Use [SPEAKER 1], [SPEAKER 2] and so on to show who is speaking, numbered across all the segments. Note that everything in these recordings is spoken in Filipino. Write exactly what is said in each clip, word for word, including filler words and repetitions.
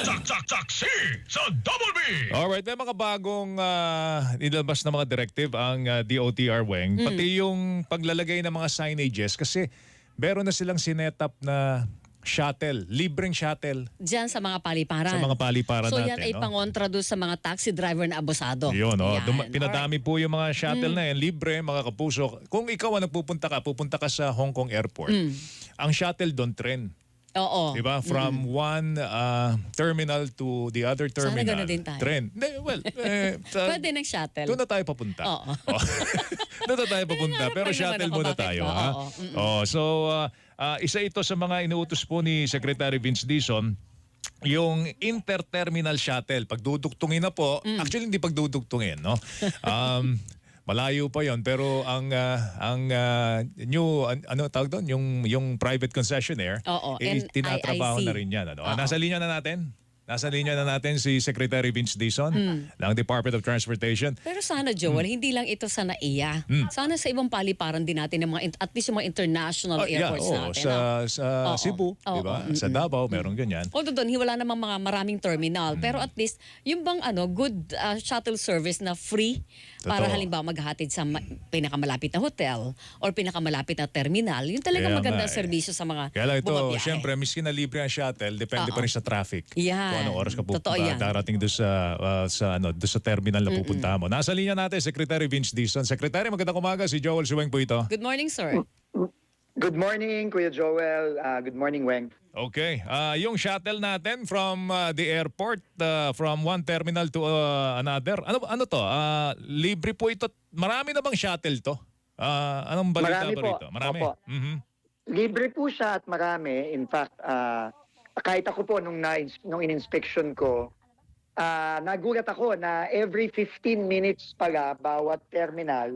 [SPEAKER 1] Saksi sa Double B!
[SPEAKER 2] Alright, may mga bagong uh, nilabas na mga directive ang uh, D O T R, Weng.
[SPEAKER 3] Mm.
[SPEAKER 2] Pati yung paglalagay ng mga signages kasi meron na silang sinetap na shuttle, libreng shuttle
[SPEAKER 3] Diyan sa mga paliparan.
[SPEAKER 2] sa mga paliparan
[SPEAKER 3] so
[SPEAKER 2] natin.
[SPEAKER 3] yan ay
[SPEAKER 2] no?
[SPEAKER 3] pangontra doon sa mga taxi driver na abusado.
[SPEAKER 2] Yun, no?
[SPEAKER 3] Yan.
[SPEAKER 2] Duma- pinadami po yung mga shuttle
[SPEAKER 3] Mm.
[SPEAKER 2] na yan, libre, mga kapuso. Kung ikaw ang nagpupunta ka, pupunta ka sa Hong Kong Airport,
[SPEAKER 3] Mm.
[SPEAKER 2] ang shuttle doon, tren.
[SPEAKER 3] Oo.
[SPEAKER 2] Diba? From one uh, terminal to the other
[SPEAKER 3] Sana
[SPEAKER 2] terminal.
[SPEAKER 3] ganun din tayo.
[SPEAKER 2] Tren. Hindi, well, eh, sa-
[SPEAKER 3] Pwede ng shuttle.
[SPEAKER 2] doon na tayo papunta.
[SPEAKER 3] Oo.
[SPEAKER 2] Oh. Doon na tayo papunta.
[SPEAKER 3] Nangangarap
[SPEAKER 2] Pero
[SPEAKER 3] pa naman
[SPEAKER 2] shuttle
[SPEAKER 3] ako,
[SPEAKER 2] muna
[SPEAKER 3] bakit
[SPEAKER 2] tayo.
[SPEAKER 3] ba?
[SPEAKER 2] Ha?
[SPEAKER 3] Oo. Mm-mm.
[SPEAKER 2] Oh, so, uh, uh, isa ito sa mga inuutos po ni Secretary Vince Dizon, yung interterminal shuttle. Pagdudugtungin na po,
[SPEAKER 3] Mm.
[SPEAKER 2] actually hindi pagdudugtungin, no? Um, malayo pa yon, pero ang uh, ang uh, new an- ano tawag doon, yung yung private concessionaire,
[SPEAKER 3] Oo,
[SPEAKER 2] eh,
[SPEAKER 3] N I I C.
[SPEAKER 2] tinatrabaho na rin yan. Ano?
[SPEAKER 3] Oo.
[SPEAKER 2] Nasa linya na natin. Nasa linya na natin si Secretary Vince Dizon ng Department of Transportation.
[SPEAKER 3] Pero sana, Joel, hindi lang ito sa N A I A.
[SPEAKER 2] Mm.
[SPEAKER 3] Sana sa ibang paliparan din natin, ng mga, in- at least yung mga international
[SPEAKER 2] Oh, yeah,
[SPEAKER 3] airports
[SPEAKER 2] oo,
[SPEAKER 3] natin.
[SPEAKER 2] sa
[SPEAKER 3] ah.
[SPEAKER 2] sa
[SPEAKER 3] Oo.
[SPEAKER 2] Cebu,
[SPEAKER 3] Oo,
[SPEAKER 2] di ba?
[SPEAKER 3] mm,
[SPEAKER 2] Sa
[SPEAKER 3] mm.
[SPEAKER 2] Davao, meron ganyan.
[SPEAKER 3] Although doon, wala namang mga maraming terminal.
[SPEAKER 2] Mm.
[SPEAKER 3] Pero at least, yung bang ano, good uh, shuttle service na free para
[SPEAKER 2] Totoo.
[SPEAKER 3] halimbawa maghatid sa ma- pinakamalapit na hotel or pinakamalapit na terminal. Yun talaga
[SPEAKER 2] Kaya
[SPEAKER 3] magandang
[SPEAKER 2] nga eh.
[SPEAKER 3] serbisyo sa mga
[SPEAKER 2] Kaya lang ito,
[SPEAKER 3] bumabiyahe.
[SPEAKER 2] syempre, miski na libre ang shuttle, depende
[SPEAKER 3] Oo.
[SPEAKER 2] pa rin sa traffic.
[SPEAKER 3] Yan.
[SPEAKER 2] Kung anong oras ka pupunta,
[SPEAKER 3] Totoo yan.
[SPEAKER 2] darating doon sa, uh, sa, ano, doon sa terminal na pupunta mo. Nasa linya natin, Secretary Vince Dizon. Secretary, magandang umaga. Si Joel Suweng po ito.
[SPEAKER 3] Good morning, sir.
[SPEAKER 4] Good morning, Kuya Joel. Uh, good morning, Weng.
[SPEAKER 2] Okay. Ah, yung shuttle natin from uh, the airport, uh, from one terminal to uh, another. Ano ano to? Ah, libre po ito. Marami na bang shuttle to? Ah, anong balita
[SPEAKER 4] Marami
[SPEAKER 2] ba
[SPEAKER 4] po.
[SPEAKER 2] rito? Marami.
[SPEAKER 4] Opo.
[SPEAKER 2] Mhm.
[SPEAKER 4] Libre po siya at marami. In fact, uh, kahit ako po nung, na, nung in-inspection ko, uh, nagulat ako na every fifteen minutes pala bawat terminal,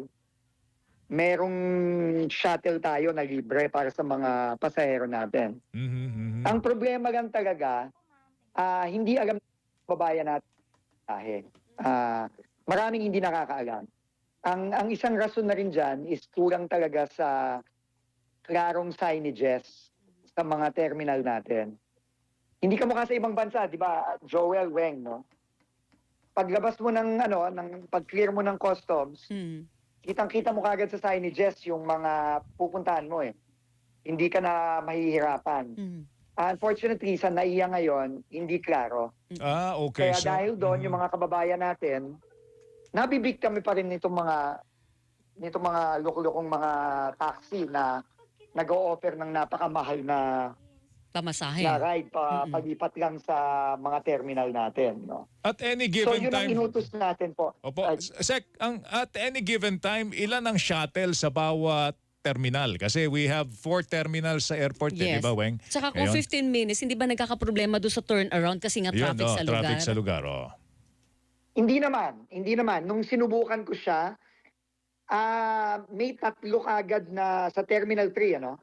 [SPEAKER 4] merong shuttle tayo na libre para sa mga pasahero natin.
[SPEAKER 2] Mhm, mhm.
[SPEAKER 4] Ang problema lang talaga, ah, hindi alam ng babayan natin. Ah, maraming hindi nakakaalam. Ang ang isang rason na rin dyan is kulang talaga sa klarong signages sa mga terminal natin. Hindi ka mukha sa ibang bansa, di ba, Joel, Weng, no? Paglabas mo ng ano, ng pag-clear mo ng customs,
[SPEAKER 3] Hmm.
[SPEAKER 4] kitang-kita mo kagad sa signages yung mga pupuntahan mo eh. Hindi ka na mahihirapan.
[SPEAKER 3] Hmm.
[SPEAKER 4] Unfortunately, sa N A I A ngayon, hindi klaro.
[SPEAKER 2] Ah, okay.
[SPEAKER 4] Kaya
[SPEAKER 2] So,
[SPEAKER 4] dahil doon,
[SPEAKER 2] mhm.
[SPEAKER 4] yung mga kababayan natin, nabibigtami pa rin nitong mga nitong mga loko-lokong mga taxi na nag-o-offer ng napakamahal na,
[SPEAKER 3] Pamasahe.
[SPEAKER 4] na ride pa
[SPEAKER 3] Mm-mm.
[SPEAKER 4] paglipat lang sa mga terminal natin. No?
[SPEAKER 2] At any
[SPEAKER 4] So
[SPEAKER 2] given
[SPEAKER 4] yun ang
[SPEAKER 2] time.
[SPEAKER 4] inutos natin po.
[SPEAKER 2] Opo,
[SPEAKER 4] Ay,
[SPEAKER 2] Sec, ang at any given time, ilan ang shuttle sa bawat terminal? Kasi we have four terminals sa airport, eh, di
[SPEAKER 3] Yes.
[SPEAKER 2] ba, Weng?
[SPEAKER 3] Tsaka kung
[SPEAKER 2] Ngayon,
[SPEAKER 3] fifteen minutes, hindi ba nagkakaproblema doon sa turnaround kasi nga
[SPEAKER 2] yun,
[SPEAKER 3] traffic
[SPEAKER 2] no,
[SPEAKER 3] sa lugar?
[SPEAKER 2] traffic sa lugar. Oh.
[SPEAKER 4] Hindi naman, hindi naman. Nung sinubukan ko siya, ah may tatlo kagad na sa Terminal three, ano?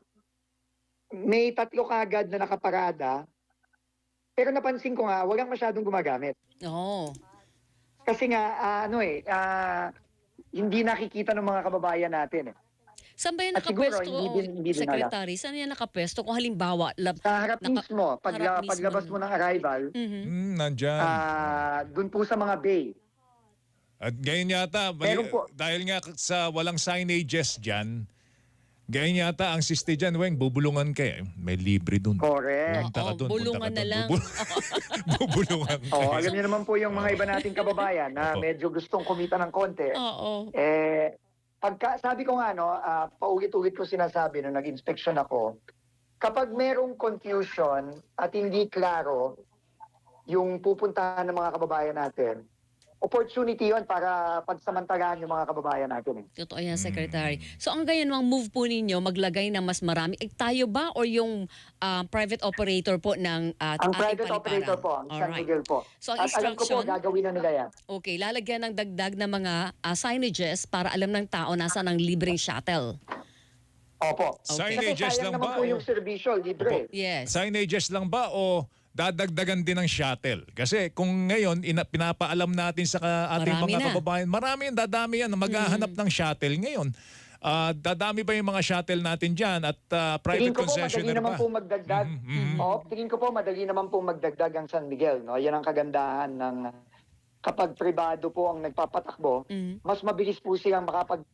[SPEAKER 4] May tatlo kagad na nakaparada. Pero napansin ko nga, walang masyadong gumagamit.
[SPEAKER 3] Oo.
[SPEAKER 4] Kasi nga, ah, ano eh, ah, hindi nakikita ng mga kababayan natin eh.
[SPEAKER 3] Saan ba yan
[SPEAKER 4] At siguro,
[SPEAKER 3] nakapwesto,
[SPEAKER 4] hindi din- hindi din
[SPEAKER 3] Secretary? Saan yan nakapwesto? Kung halimbawa, lab,
[SPEAKER 4] Sa harap
[SPEAKER 3] Naka-
[SPEAKER 4] mismo, pag,
[SPEAKER 3] harap mismo.
[SPEAKER 4] paglabas mo ng arrival,
[SPEAKER 3] Mhm.
[SPEAKER 2] Mm, nandyan.
[SPEAKER 4] ah dun po sa mga bay.
[SPEAKER 2] At ngayon yata, mali-
[SPEAKER 4] Meron po.
[SPEAKER 2] dahil nga sa walang signages dyan, ngayon yata ang siste dyan, Weng, bubulungan ka eh. May libre dun.
[SPEAKER 4] Correct.
[SPEAKER 2] Punta ka
[SPEAKER 3] Oo,
[SPEAKER 2] dun,
[SPEAKER 3] bulungan
[SPEAKER 2] punta ka
[SPEAKER 3] na
[SPEAKER 2] dun.
[SPEAKER 3] lang.
[SPEAKER 2] Bubul- bubulungan ka.
[SPEAKER 4] Oh, alam niyo naman po yung mga iba nating kababayan na
[SPEAKER 2] Opo.
[SPEAKER 4] medyo gustong kumita ng konti.
[SPEAKER 3] Oo.
[SPEAKER 4] Eh, pagka, sabi ko nga, no, ah, paulit-ulit ko sinasabi nung nag-inspection ako, kapag merong confusion at hindi klaro yung pupuntahan ng mga kababayan natin, opportunity yon para pagsamantalahan yung mga kababayan natin. eh.
[SPEAKER 3] Totoo yan,
[SPEAKER 2] Mm.
[SPEAKER 3] Secretary. So ang ganyan ang move po ninyo, maglagay ng mas marami. Eh, tayo ba or yung ah, private operator po ng uh,
[SPEAKER 4] Ang private operator po, ang San
[SPEAKER 3] Alright.
[SPEAKER 4] Miguel po.
[SPEAKER 3] So ang
[SPEAKER 4] At alam ko po,
[SPEAKER 3] instruction,
[SPEAKER 4] gagawin na nila yan.
[SPEAKER 3] okay, lalagyan ng dagdag na mga ah, signages para alam ng tao nasa ng libreng shuttle.
[SPEAKER 4] Opo.
[SPEAKER 3] Okay.
[SPEAKER 2] Signages
[SPEAKER 4] Kasi sayang
[SPEAKER 2] lang
[SPEAKER 4] naman
[SPEAKER 2] ba?
[SPEAKER 4] po
[SPEAKER 2] o-
[SPEAKER 4] yung serbisyo, libre.
[SPEAKER 3] Yes.
[SPEAKER 2] Signages lang ba o dadagdagan din ng shuttle? Kasi kung ngayon, ina, pinapaalam natin sa ka- ating
[SPEAKER 3] Marami
[SPEAKER 2] mga
[SPEAKER 3] na.
[SPEAKER 2] kababayan, marami yan, dadami yan na maghahanap ng shuttle ngayon. ah, dadami ba yung mga shuttle natin dyan at ah, private
[SPEAKER 4] Tingin ko po, madali
[SPEAKER 2] concessionaire
[SPEAKER 4] naman
[SPEAKER 2] ba?
[SPEAKER 4] po magdagdag.
[SPEAKER 2] Mhm, mhm.
[SPEAKER 4] Oo, tingin ko po, madali naman po magdagdag ang San Miguel. No? Yan ang kagandahan ng kapag pribado po ang nagpapatakbo,
[SPEAKER 3] Mhm.
[SPEAKER 4] mas mabilis po silang makapag...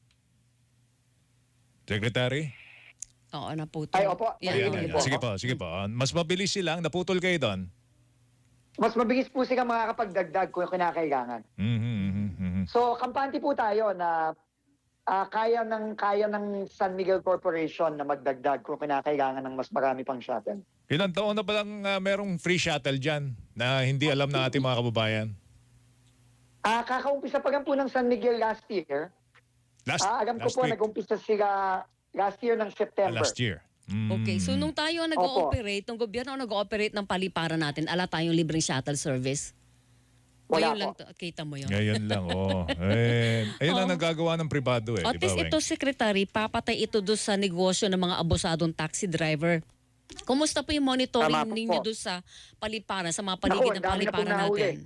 [SPEAKER 2] Secretary?
[SPEAKER 3] Oo, naputol.
[SPEAKER 4] Ay, opo.
[SPEAKER 3] Yan,
[SPEAKER 2] Ayan,
[SPEAKER 3] oo.
[SPEAKER 2] ayan.
[SPEAKER 4] po.
[SPEAKER 2] Sige po, sige po. Ah, mas mabilis silang, naputol kayo doon.
[SPEAKER 4] Mas mabilis po silang makakapagdagdag kung kinakailangan.
[SPEAKER 2] Mhm, mhm, mhm.
[SPEAKER 4] So, kampante po tayo na ah, kaya ng kaya ng San Miguel Corporation na magdagdag kung kinakailangan ng mas marami pang shuttle.
[SPEAKER 2] Ilang taon na ba lang ah, merong free shuttle dyan na hindi alam ng ating mga kababayan?
[SPEAKER 4] Ah, kakaumpisa pa lang po ng San Miguel last year.
[SPEAKER 2] Last,
[SPEAKER 4] Ah, alam ko
[SPEAKER 2] last
[SPEAKER 4] po,
[SPEAKER 2] week.
[SPEAKER 4] nag-umpisa sila last year ng
[SPEAKER 2] Ah,
[SPEAKER 4] September.
[SPEAKER 2] last year. Mm.
[SPEAKER 3] Okay, so nung tayo ang nag-ooperate, nung gobyerno ang nag-ooperate ng paliparan natin, ala tayong libreng shuttle service.
[SPEAKER 4] Wala
[SPEAKER 3] Ngayon lang,
[SPEAKER 4] po.
[SPEAKER 3] to- kita mo yun.
[SPEAKER 2] Ngayon lang, oo. Eh, ayun ang
[SPEAKER 3] Oo.
[SPEAKER 2] nagagawa ng pribado eh.
[SPEAKER 3] At
[SPEAKER 2] di ba,
[SPEAKER 3] least
[SPEAKER 2] Weng?
[SPEAKER 3] ito, Secretary, papatay ito doon sa negosyo ng mga abusadong taxi driver. Kumusta po yung monitoring
[SPEAKER 4] Tama po
[SPEAKER 3] ninyo
[SPEAKER 4] po.
[SPEAKER 3] doon sa paliparan, sa mga
[SPEAKER 4] Naku,
[SPEAKER 3] paligid ng
[SPEAKER 4] ang dami na pong
[SPEAKER 3] paliparan
[SPEAKER 4] nahuli.
[SPEAKER 3] natin?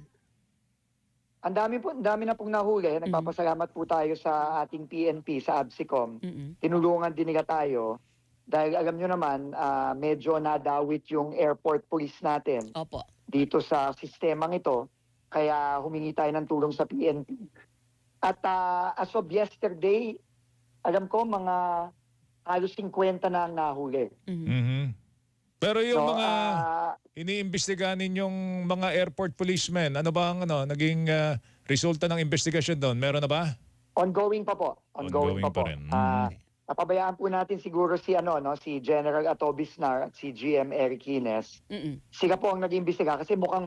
[SPEAKER 4] Ang dami po, ang dami na pong nahuli.
[SPEAKER 3] Mm-hmm.
[SPEAKER 4] Nagpapasalamat po tayo sa ating P N P, sa ABSICOM.
[SPEAKER 3] Mm-mm.
[SPEAKER 4] Tinulungan din nila tayo dahil alam nyo naman, ah, medyo nadawit yung airport police natin
[SPEAKER 3] Opo.
[SPEAKER 4] dito sa sistemang ito. Kaya humingi tayo ng tulong sa P N P. At ah, as of yesterday, alam ko mga halos fifty na ang nahuli.
[SPEAKER 3] Mhm.
[SPEAKER 2] Mhm. Pero yung
[SPEAKER 4] So,
[SPEAKER 2] mga
[SPEAKER 4] ah,
[SPEAKER 2] iniimbestigahan ninyong mga airport policemen, ano ba ang ano, naging ah, resulta ng investigasyon doon? Meron na ba?
[SPEAKER 4] ongoing pa po. Ongoing,
[SPEAKER 2] Ongoing
[SPEAKER 4] pa po.
[SPEAKER 2] pa rin. Mm.
[SPEAKER 4] Ah, napabayaan po natin siguro si ano no, si General Atobisnar at si G M Eric Hines.
[SPEAKER 3] Mm-mm.
[SPEAKER 4] Sila po ang nag-imbestiga kasi mukhang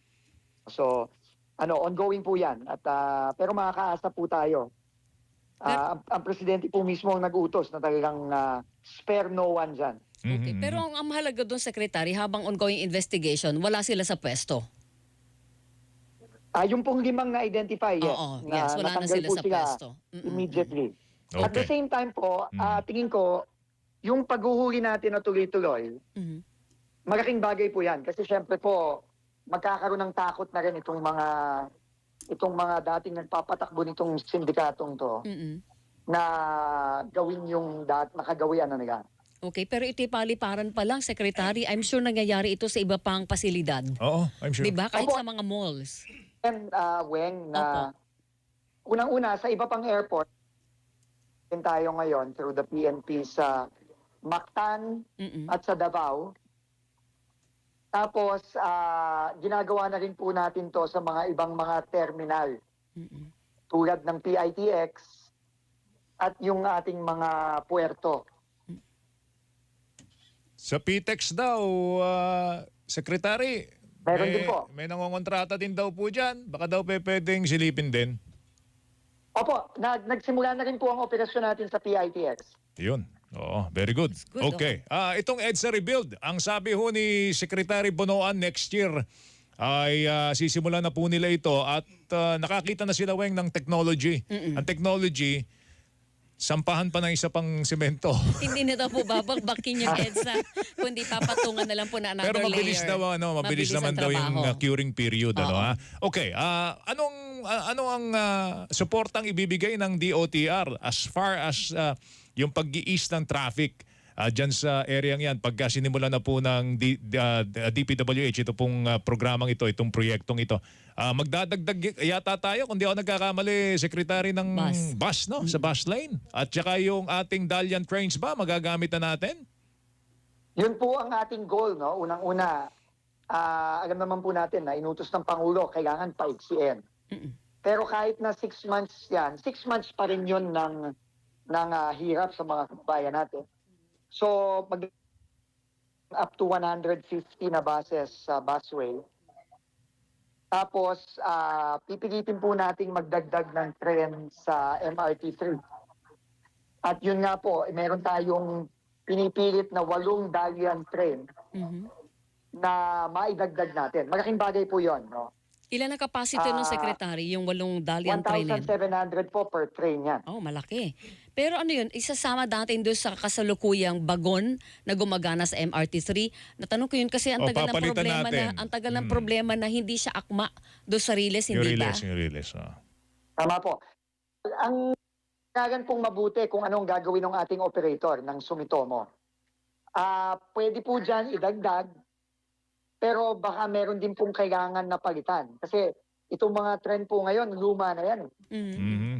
[SPEAKER 4] so ano ongoing po 'yan at ah, pero makakaasa po tayo. Ah, ang, ang presidente po mismo ang nag-utos na talagang ah, spare no one diyan.
[SPEAKER 3] Okay.
[SPEAKER 2] Mhm.
[SPEAKER 3] Pero ang, ang mahalaga doon, Secretary, habang ongoing investigation, wala sila sa pwesto.
[SPEAKER 4] Ah, yung pong limang na-identify, yes,
[SPEAKER 3] Oo,
[SPEAKER 4] na
[SPEAKER 3] yes, wala na
[SPEAKER 4] natanggal
[SPEAKER 3] sila
[SPEAKER 4] po
[SPEAKER 3] sa pwesto. Mm-mm.
[SPEAKER 4] immediately. At the
[SPEAKER 2] Okay.
[SPEAKER 4] same time po,
[SPEAKER 2] Mm.
[SPEAKER 4] ah, tingin ko, yung paghuhuli natin na tuloy-tuloy,
[SPEAKER 3] Mhm.
[SPEAKER 4] malaking bagay po yan. Kasi syempre po, magkakaroon ng takot na rin itong mga itong mga dating nagpapatakbo nitong sindikatong to
[SPEAKER 3] Mm-mm.
[SPEAKER 4] na gawin yung dat nakagawian na nila.
[SPEAKER 3] Okay, pero ito'y paliparan pa lang, Secretary. I'm sure nangyayari ito sa iba pang pasilidad.
[SPEAKER 2] Oo, I'm sure.
[SPEAKER 3] Di ba? Kahit
[SPEAKER 4] Opo.
[SPEAKER 3] sa mga malls.
[SPEAKER 4] And uh, Weng, na unang-una sa iba pang airport, din tayo ngayon through the P N P sa Mactan
[SPEAKER 3] Mm-mm.
[SPEAKER 4] at sa Davao. Tapos, ah, ginagawa na rin po natin to sa mga ibang mga terminal
[SPEAKER 3] Mm-mm.
[SPEAKER 4] tulad ng P I T X at yung ating mga puerto.
[SPEAKER 2] Sa P T E X daw, ah, Secretary,
[SPEAKER 4] Meron
[SPEAKER 2] may,
[SPEAKER 4] din po.
[SPEAKER 2] may nangongontrata din daw po dyan. Baka daw pe, pwedeng silipin din.
[SPEAKER 4] Opo, nag nagsimula na rin po ang operasyon natin sa P I T X.
[SPEAKER 2] Yun. Oo, very good.
[SPEAKER 3] good,
[SPEAKER 2] Okay. Ah, itong EDSA Rebuild, ang sabi ho ni Secretary Bonoan next year ay ah, sisimula na po nila ito at ah, nakakita na sila, Weng, ng technology. Ang technology, sampahan pa ng isa pang semento.
[SPEAKER 3] Hindi na daw po babagbakin yung EDSA, kundi papatungan na lang po na another
[SPEAKER 2] Pero mabilis
[SPEAKER 3] layer.
[SPEAKER 2] daw, ano, mabilis,
[SPEAKER 3] Mabilis
[SPEAKER 2] naman
[SPEAKER 3] ang
[SPEAKER 2] daw yung
[SPEAKER 3] trabaho.
[SPEAKER 2] uh, curing period, ano
[SPEAKER 3] Oo.
[SPEAKER 2] ha? Okay, ah, anong ah, ano ang uh, suportang ibibigay ng D O T R as far as ah, yung pag-i-ease ng traffic uh, dyan sa area yan pagka sinimula na po ng D, ah, D P W H ito pong ah, programang ito, itong proyektong ito. Ah, magdadagdag y- yata tayo, kung di ako nagkakamali, Secretary ng
[SPEAKER 3] Bus.
[SPEAKER 2] bus, no? Sa bus lane. At saka yung ating Dalian trains ba, magagamit na natin?
[SPEAKER 4] Yun po ang ating goal, no? Unang-una, ah, alam naman po natin na inutos ng Pangulo, kailangan paiksiin.
[SPEAKER 3] Mm-mm.
[SPEAKER 4] Pero kahit na six months yan, six months pa rin yun ng, ng ah, hirap sa mga kababayan natin. So, mag up to one hundred fifty na buses sa busway. Tapos, ah, pipilitin po nating magdagdag ng tren sa M R T three. At yun nga po, eh, meron tayong pinipilit na walong Dalian train
[SPEAKER 3] Mhm.
[SPEAKER 4] na maidagdag natin. Malaking bagay po yon, no?
[SPEAKER 3] Ilan ang capacity ng
[SPEAKER 4] Ah,
[SPEAKER 3] Secretary, yung walong Dalian train na yun?
[SPEAKER 4] one thousand seven hundred po per train yan.
[SPEAKER 3] Oh, malaki. Pero ano yun, isasama natin doon sa kasalukuyang bagon na gumagana sa M R T three. Natanong ko yun kasi ang
[SPEAKER 2] O,
[SPEAKER 3] tagal ng
[SPEAKER 2] papalitan
[SPEAKER 3] problema
[SPEAKER 2] natin.
[SPEAKER 3] na ang tagal ng
[SPEAKER 2] Hmm.
[SPEAKER 3] problema na hindi siya akma doon sa Riles,
[SPEAKER 2] Yung
[SPEAKER 3] hindi ba?
[SPEAKER 2] release, yung release. ah.
[SPEAKER 4] Tama po. Ang kailangan pong mabuti kung anong gagawin ng ating operator ng Sumitomo. Ah, pwede po dyan idagdag, pero baka meron din pong kailangan na palitan. Kasi itong mga trend po ngayon, luma na yan.
[SPEAKER 3] Mhm.
[SPEAKER 2] Mhm.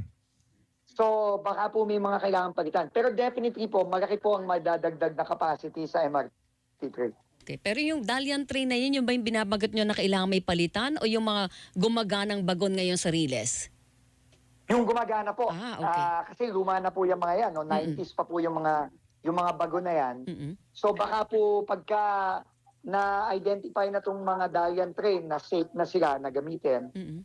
[SPEAKER 4] So baka po may mga kailangan palitan. Pero definitely po, malaki po ang madadagdag na capacity sa M R T three.
[SPEAKER 3] Okay. Pero yung Dalian train na yun, yung ba yung binabagat nyo na kailangan may palitan o yung mga gumaganang bagon ngayon sa Riles?
[SPEAKER 4] Yung gumagana po.
[SPEAKER 3] Ah, okay.
[SPEAKER 4] Ah, kasi luma na po yung mga yan. No? nineties pa po yung mga yung mga bago na yan.
[SPEAKER 3] Mhm.
[SPEAKER 4] So baka po pagka na-identify na itong mga Dalian train na safe na sila na gamitin,
[SPEAKER 3] Mhm.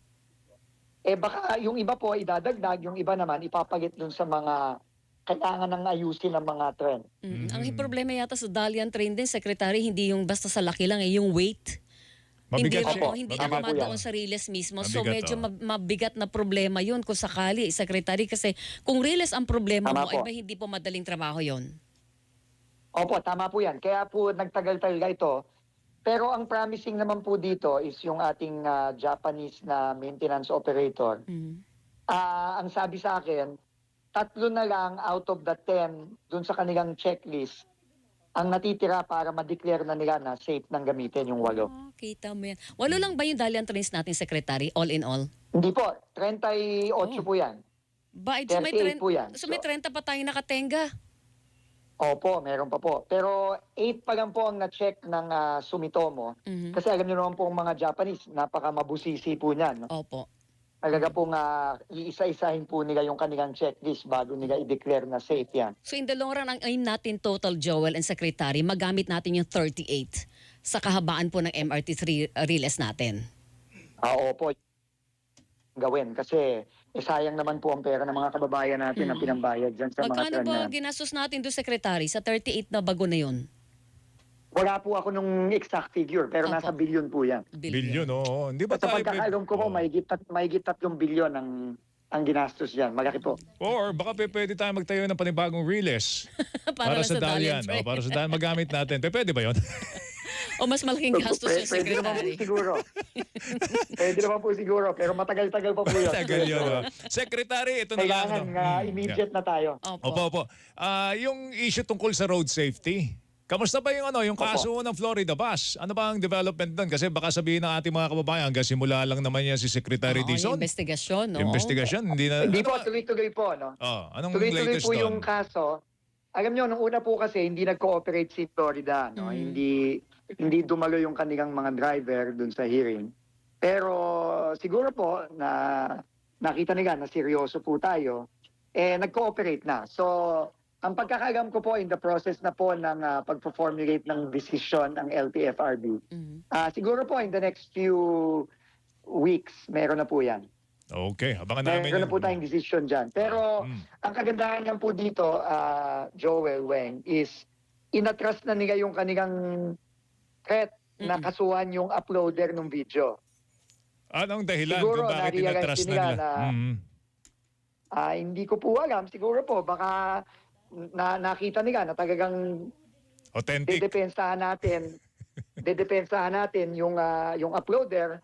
[SPEAKER 4] eh baka yung iba po idadagdag, yung iba naman ipapalit dun sa mga kailangan ng ayusin ng mga trend.
[SPEAKER 3] Mhm. Ang
[SPEAKER 2] Mhm.
[SPEAKER 3] problema yata sa Dalian train din, Secretary, hindi yung basta sa laki lang, eh, yung weight. Hindi
[SPEAKER 2] Mabigat
[SPEAKER 3] rin
[SPEAKER 2] siya.
[SPEAKER 3] po, hindi
[SPEAKER 4] Mabigat.
[SPEAKER 3] naman doon sa Riles mismo. So
[SPEAKER 2] Mabigat,
[SPEAKER 3] medyo
[SPEAKER 2] oh.
[SPEAKER 3] mab- mabigat na problema yun kung sakali, Secretary. Kasi kung Riles ang problema
[SPEAKER 4] Tama
[SPEAKER 3] mo, ay
[SPEAKER 4] po.
[SPEAKER 3] ba hindi po madaling trabaho yon?
[SPEAKER 4] Opo, tama po yan. Kaya po nagtagal talaga ito. Pero ang promising naman po dito is yung ating ah, Japanese na maintenance operator.
[SPEAKER 3] Mhm.
[SPEAKER 4] Ah, ang sabi sa akin, tatlo na lang out of the ten dun sa kanilang checklist ang natitira para ma-declare na nila na safe nang gamitin yung walo.
[SPEAKER 3] Ah, kita mo yan. Walo lang ba yung Dalian trains natin, Secretary, all in all?
[SPEAKER 4] Hindi po, thirty-eight
[SPEAKER 3] Oh.
[SPEAKER 4] po yan.
[SPEAKER 3] Ba, so may,
[SPEAKER 4] thirty-eight
[SPEAKER 3] tren-
[SPEAKER 4] po yan.
[SPEAKER 3] so may
[SPEAKER 4] So-
[SPEAKER 3] thirty pa tayong nakatenga.
[SPEAKER 4] Opo, meron pa po. Pero eight pa lang po ang na-check ng ah, Sumitomo.
[SPEAKER 3] Mhm.
[SPEAKER 4] Kasi alam niyo naman po ang mga Japanese, napaka mabusisi po niyan. No?
[SPEAKER 3] Opo.
[SPEAKER 4] Talaga pong ah, iisa-isahin po nila yung kanilang checklist bago nila i-declare na safe yan.
[SPEAKER 3] So in the long run, ang aim natin total, Joel and Secretary, magamit natin yung thirty-eight sa kahabaan po ng M R T three Riles natin.
[SPEAKER 4] Ah, opo, gawin. Kasi eh, sayang naman po ang pera ng mga kababayan natin na pinambayad dyan sa mga
[SPEAKER 3] Magkano
[SPEAKER 4] trend na
[SPEAKER 3] ba
[SPEAKER 4] yan.
[SPEAKER 3] ginastos natin doon, Secretary, sa thirty-eight na bago na yun?
[SPEAKER 4] Wala po ako nung exact figure, pero
[SPEAKER 3] Opo.
[SPEAKER 4] nasa billion po yan.
[SPEAKER 2] Bilyon, oo. Hindi ba
[SPEAKER 4] At sa
[SPEAKER 2] tayo...
[SPEAKER 4] pagkakaalam ko po,
[SPEAKER 2] Oo.
[SPEAKER 4] may git may tatlong bilyon ang ang ginastos yan. Malaki po.
[SPEAKER 2] Or baka pe- pwede tayo magtayo ng panibagong Riles para,
[SPEAKER 3] Para, lang
[SPEAKER 2] sa Dalian.
[SPEAKER 3] train.
[SPEAKER 2] Oh, para sa Dalian magamit natin. Pe, pwede ba yun?
[SPEAKER 3] O mas malaking gastos
[SPEAKER 4] Pwede-
[SPEAKER 3] yung
[SPEAKER 4] Pwede naman po
[SPEAKER 3] Secretary.
[SPEAKER 4] siguro. Pwede naman po siguro, pero matagal-tagal pa po yun.
[SPEAKER 2] Tagal yun. oh. Secretary, ito na lang.
[SPEAKER 4] Kailangan
[SPEAKER 2] no?
[SPEAKER 4] nga
[SPEAKER 2] Hmm,
[SPEAKER 4] immediate na tayo.
[SPEAKER 3] Opo.
[SPEAKER 2] Opo, opo. Ah, yung issue tungkol sa road safety. Kamusta ba yung ano, yung kaso ng Florida bus? Ano ba ang development doon? Kasi baka sabihin ng ating mga kababayan, hanggang simula lang naman yan si Secretary
[SPEAKER 3] Oo, yung
[SPEAKER 2] Dizon.
[SPEAKER 3] investigasyon, no?
[SPEAKER 2] Investigation, hindi na...
[SPEAKER 4] Hindi
[SPEAKER 2] ano
[SPEAKER 4] po,
[SPEAKER 2] ba-
[SPEAKER 4] tuloy-tuloy po. No?
[SPEAKER 2] Oh, anong
[SPEAKER 4] Tuloy-tuloy
[SPEAKER 2] latest
[SPEAKER 4] po
[SPEAKER 2] doon?
[SPEAKER 4] yung kaso. Alam nyo, nung una po kasi, hindi nag-cooperate si Florida. No?
[SPEAKER 3] Mm.
[SPEAKER 4] Hindi hindi dumalo yung kanilang mga driver dun sa hearing. Pero siguro po na nakita nila na seryoso po tayo, eh nag-cooperate na. So, ang pagkakaalam ko po in the process na po ng uh, pag-formulate ng decision ng L T F R B.
[SPEAKER 3] Mhm.
[SPEAKER 4] Ah, siguro po in the next few weeks, meron na po yan.
[SPEAKER 2] Okay, abangan namin
[SPEAKER 4] Meron
[SPEAKER 2] yun.
[SPEAKER 4] na po tayong decision dyan. Pero
[SPEAKER 2] Mm.
[SPEAKER 4] ang kagandahan lang po dito, ah, Joel Weng, is inatras na nila yung kanilang threat na
[SPEAKER 3] Mm-mm.
[SPEAKER 4] kasuhan yung uploader ng video.
[SPEAKER 2] Anong dahilan
[SPEAKER 4] Siguro,
[SPEAKER 2] kung bakit
[SPEAKER 4] na-realize
[SPEAKER 2] inatras
[SPEAKER 4] din
[SPEAKER 2] na
[SPEAKER 4] nila
[SPEAKER 2] nila?
[SPEAKER 4] na-
[SPEAKER 2] Mhm.
[SPEAKER 4] Ah, hindi ko po alam. Siguro po, baka na nakita nila na talagang
[SPEAKER 2] Authentic.
[SPEAKER 4] dedepensahan natin, dedepensahan natin yung, ah, yung uploader.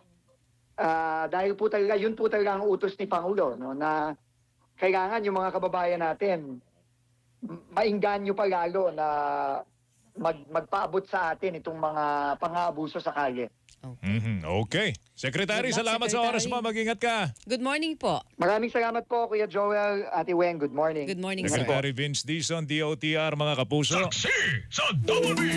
[SPEAKER 4] Ah, dahil po talaga, yun po talaga ang utos ni Pangulo, no, na kailangan yung mga kababayan natin m- maingganyo pa lalo na mag, magpaabot sa atin itong mga pang-aabuso sa kalye.
[SPEAKER 2] Mhm. Okay. Secretary,
[SPEAKER 3] Good luck,
[SPEAKER 2] salamat sa oras mo.
[SPEAKER 3] Secretary.
[SPEAKER 2] Mag-ingat ka.
[SPEAKER 3] Good morning po.
[SPEAKER 4] Maraming salamat po, Kuya Joel, Ate Weng. Good morning.
[SPEAKER 3] Good morning, sir.
[SPEAKER 2] Secretary Vince Dizon, D O T R, mga kapuso.
[SPEAKER 1] Saksi sa Double B!